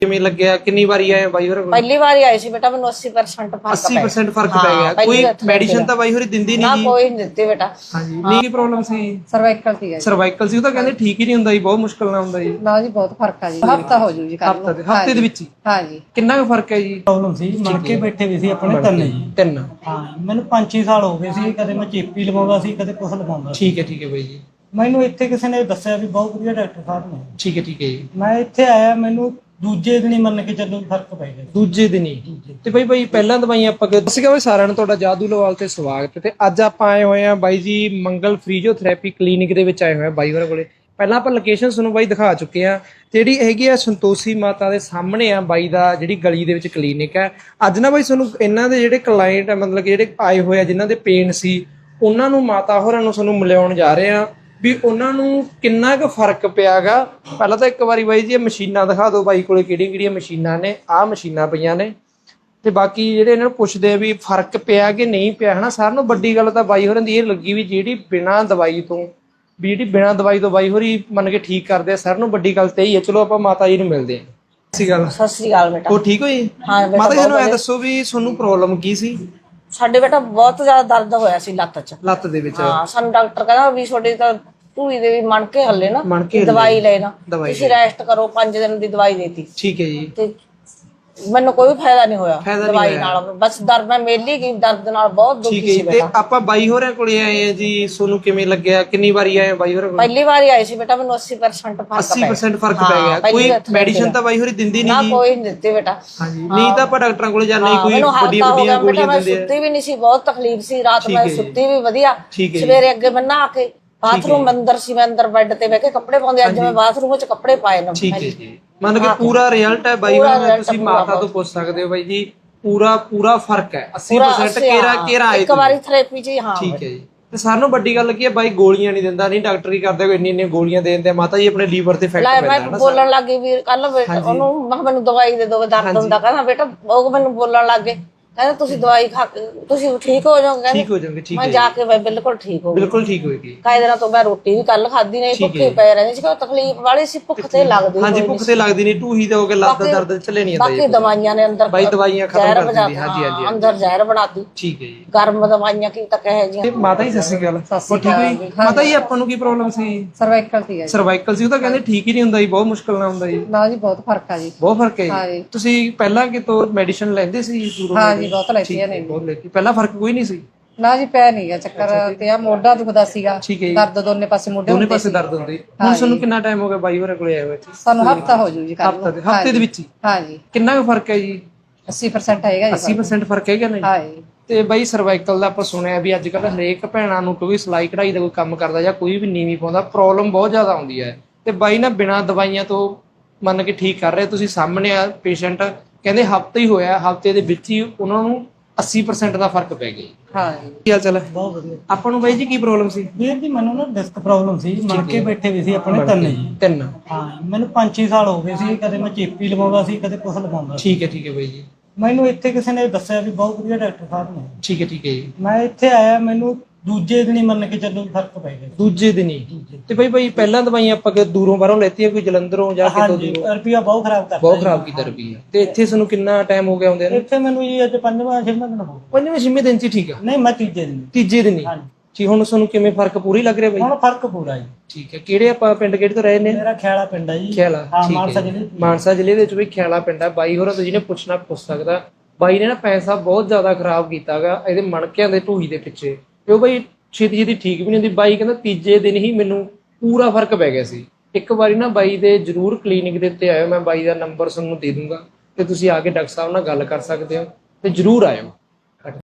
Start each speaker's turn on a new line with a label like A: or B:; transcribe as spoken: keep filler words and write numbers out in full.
A: ਕਿਵੇਂ ਲੱਗਿਆ? ਕਿੰਨੀ ਵਾਰੀ ਆਏ ਬਾਈ ਹੋਰ ਕੋਲ?
B: ਪਹਿਲੀ ਵਾਰੀ ਆਏ ਸੀ ਬੇਟਾ, ਮੈਨੂੰ अस्सी परसेंट ਫਰਕ
A: अस्सी परसेंट ਫਰਕ ਪੈ ਗਿਆ। ਕੋਈ ਮੈਡੀਸਿਨ ਤਾਂ ਬਾਈ ਹੋਰੀ ਦਿੰਦੀ ਨਹੀਂ ਜੀ?
B: ਨਾ ਕੋਈ ਨਹੀਂ ਦਿੱਤੀ ਬੇਟਾ।
A: ਹਾਂਜੀ, ਨਹੀਂ ਕੀ ਪ੍ਰੋਬਲਮ ਸੀ?
C: ਸਰਵਾਈਕਲ ਸੀ ਜੀ।
A: ਸਰਵਾਈਕਲ ਸੀ, ਉਹ ਤਾਂ ਕਹਿੰਦੇ ਠੀਕ ਹੀ ਨਹੀਂ ਹੁੰਦਾ ਜੀ, ਬਹੁਤ ਮੁਸ਼ਕਲ ਨਾਲ ਹੁੰਦਾ ਜੀ।
C: ਨਾ ਜੀ ਬਹੁਤ ਫਰਕ ਆ ਜੀ, ਹਫਤਾ ਹੋ ਜੂ ਜੀ ਕੱਲ
A: ਹਫਤਾ ਦੇ ਹਫਤੇ ਦੇ ਵਿੱਚ ਹੀ?
C: ਹਾਂ ਜੀ।
A: ਕਿੰਨਾ ਕੁ ਫਰਕ ਹੈ ਜੀ?
D: ਪ੍ਰੋਬਲਮ ਸੀ, ਮਣ ਕੇ ਬੈਠੇ ਵੀ ਸੀ ਆਪਣੇ ਤਿੰਨ ਜੀ।
A: ਤਿੰਨ?
D: ਹਾਂ, ਮੈਨੂੰ ਪੰਜ ਛੇ ਸਾਲ ਹੋ ਗਏ ਸੀ, ਕਦੇ ਮੈਂ ਚੇਪੀ ਲਵਾਉਂਦਾ ਸੀ, ਕਦੇ ਕੁਛ ਲਵਾਉਂਦਾ ਸੀ।
A: ਠੀਕ ਹੈ ਠੀਕ ਹੈ ਬਾਈ ਜੀ।
D: ਮੈਨੂੰ ਇੱਥੇ ਕਿਸੇ ਨੇ ਦੱਸਿਆ ਵੀ ਬਹੁਤ ਵਧੀਆ ਡਾਕਟਰ ਸਾਹਿਬ ਨੇ।
A: ਠੀਕ ਹੈ ਠੀਕ ਹੈ ਜੀ।
D: ਮੈਂ ਇੱਥੇ ਆਇਆ, ਮੈਨੂੰ ਦੂਜੇ ਦਿਨ ਹੀ ਮੰਨ ਕੇ ਚੱਲੋ ਫਰਕ ਪੈ ਗਿਆ।
A: ਦੂਜੇ ਦਿਨ ਹੀ? ਤੇ ਬਾਈ ਬਾਈ ਪਹਿਲਾਂ ਦਵਾਈਆਂ ਆਪਾਂ ਸਤਿ ਸ਼੍ਰੀ ਅਕਾਲ ਸਾਰਿਆਂ ਨੂੰ, ਤੁਹਾਡਾ ਜਾਦੂ ਲਵਾਲ ਤੇ ਸਵਾਗਤ। ਤੇ ਅੱਜ ਆਪਾਂ ਆਏ ਹੋਏ ਆ ਬਾਈ ਜੀ ਮੰਗਲ ਫਿਜ਼ੀਓਥੈਰੇਪੀ ਕਲੀਨਿਕ ਦੇ ਵਿੱਚ ਆਏ ਹੋਏ ਆ ਬਾਈ ਹੋਰਾਂ ਕੋਲੇ। ਪਹਿਲਾਂ ਆਪਾਂ ਲੋਕੇਸ਼ਨ ਤੁਹਾਨੂੰ ਬਾਈ ਦਿਖਾ ਚੁੱਕੇ ਆ, ਜਿਹੜੀ ਹੈਗੀ ਆ ਸੰਤੋਸ਼ੀ ਮਾਤਾ ਦੇ ਸਾਹਮਣੇ ਆ ਬਾਈ ਦਾ, ਜਿਹੜੀ ਗਲੀ ਦੇ ਵਿੱਚ ਕਲੀਨਿਕ ਹੈ। ਅੱਜ ਨਾ ਬਾਈ ਤੁਹਾਨੂੰ ਇਹਨਾਂ ਦੇ ਜਿਹੜੇ ਕਲਾਇੰਟ ਆ, ਮਤਲਬ ਕਿ ਜਿਹੜੇ ਆਏ ਹੋਏ ਆ ਜਿਨ੍ਹਾਂ ਦੇ ਪੇਨ ਸੀ, ਉਹਨਾਂ ਨੂੰ ਮਾਤਾ ਹੋਰਾਂ ਨੂੰ ਤੁਹਾਨੂੰ ਮਿਲਾਉਣ ਜਾ ਰਹੇ ਆ ਵੀ ਉਹਨਾਂ ਨੂੰ ਕਿੰਨਾ ਕੁ ਫਰਕ ਪਿਆਗਾ। ਪਹਿਲਾਂ ਤਾਂ ਇੱਕ ਵਾਰੀ ਬਾਈ ਜੀ ਇਹ ਮਸ਼ੀਨਾਂ ਦਿਖਾ ਦਿਓ ਬਾਈ ਕੋਲੇ, ਕਿਹੜੀਆਂ ਕਿਹੜੀਆਂ ਮਸ਼ੀਨਾਂ ਨੇ। ਆਹ ਮਸ਼ੀਨਾਂ ਪਈਆਂ ਨੇ, ਤੇ ਬਾਕੀ ਜਿਹੜੇ ਇਹਨਾਂ ਨੂੰ ਪੁੱਛਦੇ ਆ ਵੀ ਫਰਕ ਪਿਆ ਕਿ ਨਹੀਂ ਪਿਆ, ਹਨਾ। ਸਾਰਿਆਂ ਨੂੰ ਵੱਡੀ ਗੱਲ ਤਾਂ ਬਾਈ ਹੋਰਾਂ ਦੀ ਇਹ ਲੱਗੀ ਵੀ ਜਿਹੜੀ ਬਿਨਾਂ ਦਵਾਈ ਤੋਂ ਵੀ ਜਿਹੜੀ ਬਿਨਾਂ ਦਵਾਈ ਤੋਂ ਬਾਈ ਹੋਰੀ ਮੰਨ ਕੇ ਠੀਕ ਕਰਦੇ ਆ, ਸਾਰਿਆਂ ਨੂੰ ਵੱਡੀ ਗੱਲ ਤੇ ਹੀ ਹੈ। ਚਲੋ ਆਪਾਂ ਮਾਤਾ ਜੀ ਨੂੰ ਮਿਲਦੇ ਹਾਂ। ਸਤਿ ਸ਼੍ਰੀ ਅਕਾਲ।
B: ਸਤਿ ਸ੍ਰੀ ਅਕਾਲ ਬੇਟਾ।
A: ਉਹ ਠੀਕ ਹੋਈ?
B: ਹਾਂ ਬੇਟਾ।
A: ਮਾਤਾ ਜੀ ਨੂੰ ਐ ਦੱਸੋ ਵੀ ਤੁਹਾਨੂੰ ਪ੍ਰੋਬਲਮ ਕੀ ਸੀ?
B: ਸਾਡੇ ਬੇਟਾ ਬਹੁਤ ਜ਼ਿਆਦਾ ਦਰਦ ਹੋਇਆ ਸੀ ਲੱਤ 'ਚ।
A: ਲੱਤ ਦੇ ਵਿੱਚ?
B: ਹਾਂ, ਸਾਨੂੰ ਡਾਕਟਰ ਕਹਿੰਦਾ ਵੀ ਤੁਹਾਡੇ ਤਾਂ ਢੂਈ ਦੇ ਵੀ ਮਣ ਕੇ ਹੱਲੇ ਨਾ,
A: ਮਣ ਕੇ
B: ਦਵਾਈ ਲੈਣਾ,
A: ਦਵਾਈ
B: ਤੁਸੀਂ ਰੈਸਟ ਕਰੋ। ਪੰਜ ਦਿਨ ਦੀ ਦਵਾਈ ਦੇਤੀ।
A: ਠੀਕ ਹੈ ਜੀ।
B: ਤੇ ਮੈਨੂੰ ਕੋਈ ਫਾਇਦਾ ਨਹੀਂ ਹੋਇਆ
A: ਫਾਇਦਾ ਨਹੀਂ
B: ਦਵਾਈ
A: ਹੋਇਆ।
B: ਨਾਲ, ਬਸ ਦਰਦ ਮੈਂ ਮੇਲੀ ਗਈ, ਦਰਦ ਨਾਲ ਬਹੁਤ
A: ਠੀਕ
B: ਦੁਖੀ
A: ਹੈ
B: ਸੀ
A: ਜੀ। ਤੇ
B: ਬੇਟਾ।
A: ਆਪਾਂ ਬਾਈ ਹੋਰਾਂ ਕੋਲੇ ਆਏ ਆ ਜੀ, ਤੁਹਾਨੂੰ ਕਿਵੇਂ ਲੱਗਿਆ? ਕਿੰਨੀ ਵਾਰੀ ਆਏ ਬਾਈ ਹੋਰਾਂ ਕੋਲ?
B: ਪਹਿਲੀ ਵਾਰੀ ਆਏ ਸੀ ਬੇਟਾ, ਮੈਨੂੰ अस्सी परसेंट ਫਰਕ
A: अस्सी
B: ਪਿਆ।
A: परसेंट ਫਰਕ
B: ਹਾਂ,
A: ਪੈ ਗਿਆ।
B: ਪਹਿਲੀ
A: ਕੋਈ
B: ਵਾਰ
A: ਮੈਡੀਸਿਨ ਤਾਂ ਬਾਈ ਹੋਰੀ ਦਿੰਦੀ
B: ਨਾ
A: ਨਹੀਂ ਜੀ?
B: ਕੋਈ ਨਹੀਂ ਦਿੱਤੀ ਬੇਟਾ।
A: ਹਾਂਜੀ, ਨਹੀਂ ਤਾਂ ਆਪਾਂ ਡਾਕਟਰਾਂ ਕੋਲੇ ਜਾਂਦੇ
B: ਹਾਂ,
A: ਕੋਈ
B: ਮੈਨੂੰ
A: ਵੱਡੀਆਂ
B: ਹਫਤਾ ਹੋ ਗਿਆ
A: ਵੱਡੀਆਂ
B: ਬੇਟਾ,
A: ਗੋਲੀਆਂ
B: ਮੈਂ
A: ਦਿੰਦੇ ਆ।
B: ਸੁੱਤੀ ਵੀ ਨਹੀਂ ਸੀ, ਬਹੁਤ ਤਕਲੀਫ ਸੀ ਰਾਤ।
A: ਠੀਕ
B: ਮੈਂ
A: ਹੈ ਜੀ।
B: ਸੁੱਤੀ ਵੀ ਵਧੀਆ।
A: ਠੀਕ ਹੈ ਜੀ।
B: ਸਵੇਰੇ ਅੱਗੇ ਮੈਂ ਨਹਾ ਕੇ ਬਾਥਰੂਮ ਅੰਦਰ ਸੀ, ਮੈਂ ਅੰਦਰ ਬੈੱਡ ਤੇ ਬਹਿ ਕੇ ਕੱਪੜੇ ਪਾਉਂਦੇ, ਅੱਜ ਮੈਂ ਬਾਥਰੂਮ ਵਿੱਚ ਕੱਪੜੇ ਪਾਏ ਨੇ।
A: ਠੀਕ ਹੈ ਜੀ। ਮੰਨ ਕੇ ਪੂਰਾ ਰਿਜ਼ਲਟ ਹੈ ਬਾਈ ਹੋਰਾਂ ਦਾ, ਤੁਸੀਂ ਮਾਤਾ ਤੋਂ ਪੁੱਛ ਸਕਦੇ ਹੋ ਬਾਈ ਜੀ। ਪੂਰਾ ਪੂਰਾ ਫਰਕ ਹੈ, अस्सी परसेंट ਕੇਰਾ ਕੇਰਾ ਆਏ।
B: ਇੱਕ ਵਾਰੀ ਥੈਰੇਪੀ ਜੀ। ਹਾਂ
A: ਠੀਕ ਹੈ ਜੀ। ਤੇ ਸਾਰਿਆਂ ਨੂੰ ਵੱਡੀ ਗੱਲ ਕੀ ਹੈ, ਬਾਈ ਗੋਲੀਆਂ ਨਹੀਂ ਦਿੰਦਾ, ਨਹੀਂ ਡਾਕਟਰ ਕੀ ਕਰਦੇ ਕੋਈ ਇੰਨੀ ਇੰਨੀ ਗੋਲੀਆਂ ਦੇ ਦਿੰਦੇ ਆ। ਮਾਤਾ ਜੀ ਆਪਣੇ ਲੀਵਰ ਤੇ ਇਫੈਕਟ
B: ਲੈ
A: ਪੈਂਦਾ
B: ਮੈਂ
A: ਹੈ ਨਾ।
B: ਬੋਲਣ ਲੱਗੀ ਵੀ ਕੱਲ ਬੇਟਾ ਉਹਨੂੰ, ਮੈਂ ਕਿਹਾ ਮੈਨੂੰ ਦਵਾਈ ਦੇ ਦੋ, ਦਰਦ ਹੁੰਦਾ। ਕਹਿੰਦਾ ਬੇਟਾ, ਉਹ ਮੈਨੂੰ ਬੋਲਣ ਲੱਗ ਗਏ, ਕਹਿੰਦਾ ਤੁਸੀਂ ਦਵਾਈ ਖਾ ਕੇ ਤੁਸੀਂ ਠੀਕ ਹੋ ਜਾਓਗੇ।
A: ਠੀਕ ਹੋ ਜਾਓਗੇ। ਠੀਕ
B: ਮੈਂ
A: ਹੈ
B: ਜਾ ਕੇ ਬਈ ਬਿਲਕੁਲ ਠੀਕ ਹੋ ਗਈ।
A: ਬਿਲਕੁਲ ਠੀਕ ਹੋਏਗੀ।
B: ਕਾਇ ਦਿਨਾਂ ਤੋਂ ਮੈਂ ਰੋਟੀ ਵੀ ਕੱਲ ਖਾਧੀ ਨਹੀਂ, ਭੁੱਖੀ ਪੈ ਰਹਿੰਦੀ ਸੀ, ਤਕਲੀਫ ਵਾਲੀ ਸੀ, ਭੁੱਖ ਤੇ ਲੱਗਦੀ।
A: ਹਾਂਜੀ, ਭੁੱਖ ਤੇ ਲੱਗਦੀ ਨਹੀਂ, ਟੂਹੀ ਤੇ ਹੋ ਕੇ ਲੱਤ ਦਾ ਦਰਦ ਚੱਲੇ ਨਹੀਂ ਜਾਂਦਾ
B: ਬਾਕੀ ਦਵਾਈਆਂ ਨੇ ਅੰਦਰ
A: ਬਾਈ ਦਵਾਈਆਂ ਖਤਮ
B: ਜ਼ਹਿਰ
A: ਕਰ
B: ਬਣਾ
A: ਦਿੰਦੀ। ਹਾਂਜੀ ਹਾਂਜੀ
B: ਅੰਦਰ ਜ਼ਹਿਰ ਬਣਾਤੀ।
A: ਠੀਕ ਹੈ ਜੀ।
B: ਗਰਮ ਦਵਾਈਆਂ ਕੀ ਤਾਂ ਕਹੇ ਜੀ।
A: ਤੇ ਮਾਤਾ ਜੀ ਸਤਿ ਸ਼੍ਰੀ ਅਕਾਲ। ਉਹ ਠੀਕ ਹੋਈ? ਮਾਤਾ ਜੀ ਆਪਾਂ ਨੂੰ ਕੀ ਪ੍ਰੋਬਲਮ ਸੀ?
C: ਸਰਵਾਈਕਲ ਸੀ ਜੀ।
A: ਸਰਵਾਈਕਲ ਸੀ, ਉਹ ਤਾਂ ਕਹਿੰਦੇ ਠੀਕ ਹੀ ਨਹੀਂ ਹੁੰਦਾ ਜੀ, ਬਹੁਤ ਮੁਸ਼ਕਲ ਨਾਲ ਹੁੰਦਾ ਜੀ।
C: ਨਾ ਜੀ ਬਹੁਤ ਫਰਕ ਆ ਜੀ।
A: ਬਹੁਤ ਫਰਕ ਹੈ
C: ਹਾਂ
A: ਜੀ।
C: ਜੀ।
A: ਤੁਸੀਂ ਪਹਿਲਾਂ ਕਿਤੋਂ ਮੈਡੀਸਿਨ ਲੈਂਦੇ ਸੀ ਦੂਰੋਂ?
C: ਹਾਂ ਜੀ, ਬਹੁਤ ਲੈਤੀਆਂ ਨੇ।
A: ਬਹੁਤ ਲੈਤੀ। ਪਹਿਲਾਂ ਫਰਕ ਕੋਈ ਨਹੀਂ ਸੀ?
C: ਨਾ ਜੀ ਪੈ ਨਹੀਂ ਗਿਆ ਚੱਕਰ, ਤੇ ਆ ਮੋਢਾ ਦੁਖਦਾ ਸੀਗਾ,
A: ਠੀਕ ਹੈ ਜੀ।
C: ਦਰਦ ਦੋਨੇ ਪਾਸੇ ਮੋਢੇ
A: ਦੋਨੇ
C: ਹੁੰਦੇ
A: ਪਾਸੇ
C: ਸੀ।
A: ਦਰਦ ਹੁੰਦੀ। ਹੁਣ ਤੁਹਾਨੂੰ ਕਿੰਨਾ ਟਾਈਮ ਹੋ ਗਿਆ ਬਾਈ ਹੋਰਾਂ ਕੋਲੇ ਆਏ ਹੋਏ?
C: ਸਾਨੂੰ ਹਫਤਾ ਹੋ ਜੂ ਜੀ ਕੱਲ
A: ਹਫਤਾ ਦੇ ਹਫਤੇ ਦੇ ਵਿੱਚ ਹੀ?
C: ਹਾਂ ਜੀ।
A: ਕਿੰਨਾ ਕੁ ਫਰਕ ਹੈ ਜੀ?
C: अस्सी परसेंट ਹੈਗਾ ਜੀ।
A: अस्सी परसेंट ਫਰਕ ਹੈਗਾ ਨਹੀਂ?
C: ਹਾਂ ਜੀ।
A: ਤੇ ਬਾਈ ਸਰਵਾਈਕਲ ਦਾ ਆਪਾਂ ਸੁਣਿਆ ਵੀ ਅੱਜ ਕੱਲ ਹਰੇਕ ਭੈਣਾਂ ਨੂੰ, ਕਿਉਂਕਿ ਸਿਲਾਈ ਕਢਾਈ ਦਾ ਕੋਈ ਕੰਮ ਕਰਦਾ ਜਾਂ ਕੋਈ ਵੀ ਨੀਵੀਂ ਪਾਉਂਦਾ, ਪ੍ਰੋਬਲਮ ਬਹੁਤ ਜ਼ਿਆਦਾ ਆਉਂਦੀ ਹੈ। ਤੇ ਬਾਈ ਨਾ ਬਿਨਾਂ ਦਵਾਈਆਂ ਤੋਂ ਮੰਨ ਕੇ ਠੀਕ ਕਰ ਰਹੇ। ਤੁਸੀਂ ਸਾਹਮਣੇ ਆ ਪੇਸ਼ੈਂਟ, ਕਹਿੰਦੇ ਹਫਤਾ ਹੀ ਹੋਇਆ, ਹਫਤੇ ਦੇ ਵਿੱਚ ਹੀ ਉਹਨਾਂ ਨੂੰ अस्सी परसेंट ਦਾ ਫਰਕ ਪੈ ਗਿਆ।
C: ਹਾਂ ਜੀ।
A: ਕੀ ਹਾਲ ਚਾਲ ਹੈ?
D: ਬਹੁਤ ਵਧੀਆ
A: ਆਪਾਂ ਨੂੰ ਬਾਈ ਜੀ ਕੀ ਪ੍ਰੋਬਲਮ ਸੀ?
D: ਵੀਰ ਜੀ, ਮੈਨੂੰ ਨਾ ਡਿਸਕ ਪ੍ਰੋਬਲਮ ਸੀ, ਮਣ ਕੇ ਬੈਠੇ ਵੀ ਸੀ ਆਪਣੇ ਤਿੰਨ ਜੀ।
A: ਤਿੰਨ?
D: ਹਾਂ, ਮੈਨੂੰ ਪੰਜ ਛੇ ਸਾਲ ਹੋ ਗਏ ਸੀ, ਕਦੇ ਮੈਂ ਚੇਪੀ ਲਵਾਉਂਦਾ ਸੀ, ਕਦੇ ਕੁਛ ਲਵਾਉਂਦਾ ਸੀ।
A: ਠੀਕ ਹੈ ਠੀਕ ਹੈ ਬਾਈ ਜੀ।
D: ਮੈਨੂੰ ਇੱਥੇ ਕਿਸੇ ਨੇ ਦੱਸਿਆ ਵੀ ਬਹੁਤ ਵਧੀਆ ਡਾਕਟਰ ਸਾਹਿਬ ਨੇ।
A: ਠੀਕ ਹੈ ਠੀਕ ਹੈ ਜੀ।
D: ਮੈਂ ਇੱਥੇ ਆਇਆ, ਮੈਨੂੰ ਦੂਜੇ ਦਿਨ ਹੀ ਮੰਨ ਕੇ ਚੱਲੋ ਫਰਕ ਪੈ ਗਿਆ।
A: ਦੂਜੇ ਦਿਨ ਹੀ? ਤੇ ਬਾਈ ਬਾਈ ਪਹਿਲਾਂ ਦਵਾਈਆਂ ਆਪਾਂ ਕਿ ਦੂਰੋਂ ਬਾਹਰੋਂ ਲੈਤੀਆਂ, ਕੋਈ ਜਲੰਧਰੋਂ ਜਾਂ ਕਿਤੋਂ
D: ਹਾਂਜੀ,
A: ਦੂਰੋਂ?
D: ਰੁਪਿਆ ਬਹੁਤ ਖਰਾਬ ਕਰਦਾ
A: ਬਹੁਤ ਖਰਾਬ ਕੀਤਾ ਰੁਪਈਆ। ਤੇ ਇੱਥੇ ਤੁਹਾਨੂੰ ਕਿੰਨਾ ਟਾਈਮ ਹੋ ਗਿਆ ਆਉਂਦੇ ਨੂੰ?
D: ਇੱਥੇ ਮੈਨੂੰ ਜੀ ਅੱਜ ਪੰਜਵਾਂ ਛੇਵਾਂ ਦਿਨ ਹੋ ਗਿਆ।
A: ਪੰਜਵੇਂ ਛੇਵੇਂ ਦਿਨ ਚ ਹੀ ਠੀਕ ਆ?
D: ਨਹੀਂ, ਮੈਂ ਤੀਜੇ ਦਿਨ।
A: ਤੀਜੇ ਦਿਨ ਹੀ?
D: ਹਾਂਜੀ।
A: ਠੀਕ। ਹੁਣ ਤੁਹਾਨੂੰ ਕਿਵੇਂ ਫਰਕ ਪੂਰੀ ਲੱਗ ਰਿਹਾ ਬਾਈ?
D: ਹੁਣ ਫਰਕ ਪੂਰਾ ਜੀ।
A: ਠੀਕ ਹੈ। ਕਿਹੜੇ ਆਪਾਂ ਪਿੰਡ ਕਿਹੜੇ ਤੋਂ ਰਹੇ ਨੇ?
D: ਮੇਰਾ ਖਿਆਲਾ ਪਿੰਡ ਹੈ ਜੀ।
A: ਖਿਆਲਾ?
D: ਹਾਂ,
A: ਠੀਕ
D: ਮਾਨਸਾ
A: ਹੈ।
D: ਜ਼ਿਲ੍ਹੇ ਚ।
A: ਮਾਨਸਾ ਜ਼ਿਲ੍ਹੇ ਦੇ ਵਿੱਚ ਵੀ ਖਿਆਲਾ ਪਿੰਡ ਹੈ। ਬਾਈ ਹੋਰਾਂ ਤੋਂ ਜਿਹਨੇ ਪੁੱਛਣਾ ਪੁੱਛ ਸਕਦਾ। ਬਾਈ ਨੇ ਨਾ ਪੈਸਾ ਬਹੁਤ ਜ਼ਿਆਦਾ ਖਰਾਬ ਕੀਤਾਗਾ ਇਹਦੇ ਮਣਕਿਆਂ ਦੇ ਢੂਹੀ ਦੇ ਪਿੱਛੇ, ਤੇ ਉਹ ਬਾਈ ਛੇਤੀ ਛੇਤੀ ਠੀਕ ਵੀ ਨਹੀਂ ਹੁੰਦੀ। ਬਾਈ ਕਹਿੰਦਾ ਤੀਜੇ ਦਿਨ ਹੀ ਮੈਨੂੰ ਪੂਰਾ ਫਰਕ ਪੈ ਗਿਆ ਸੀ। ਇੱਕ ਵਾਰੀ ਨਾ ਬਾਈ ਦੇ ਜ਼ਰੂਰ ਕਲੀਨਿਕ ਦੇ ਉੱਤੇ ਆਇਓ, ਮੈਂ ਬਾਈ ਦਾ ਨੰਬਰ ਤੁਹਾਨੂੰ ਦੇ ਦੂੰਗਾ, ਤੇ ਤੁਸੀਂ ਆ ਕੇ ਡਾਕਟਰ ਸਾਹਿਬ ਨਾਲ ਗੱਲ ਕਰ ਸਕਦੇ ਹੋ, ਤੇ ਜ਼ਰੂਰ ਆਇਓ।